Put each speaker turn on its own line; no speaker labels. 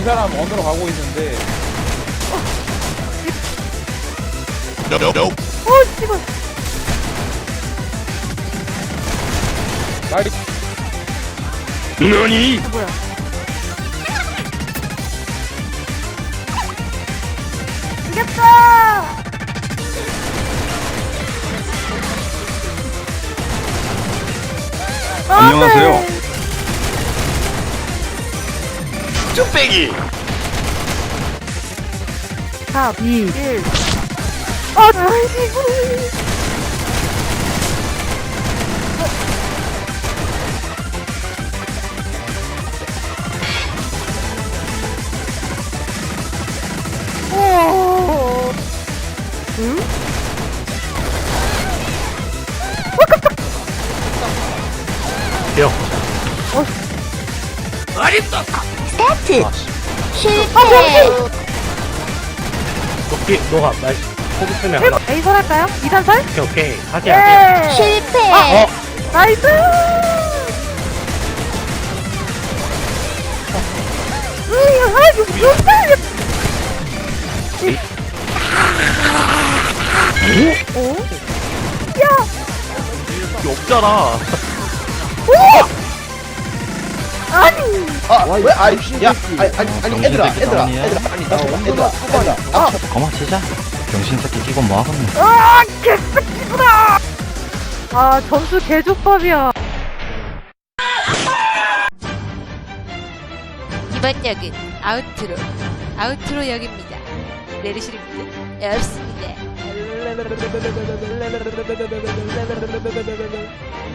사람 언더로 가고 있는데.
씨발.
나이.
너니?
뭐야? 이겼다!
안녕하세요. 쭈빼기.
4, 2, 1. 아이고. 응?
형.
스타트! 실패!
오케이, 너가 날 포기 쓰면 하나.
A설 할까요? 2단설?
오케이. 하지, 하지.
실패!
나이스! 어?
여기 없잖아.
아니!
왜? 아니, 얘들아,
거마 치자. 병신 새끼 끼고 뭐 하겠노?
아, 개새끼구나! 아, 점수 개족밥이야.
이번 역은 아우트로 역입니다. 내리시는 분들 없습니다.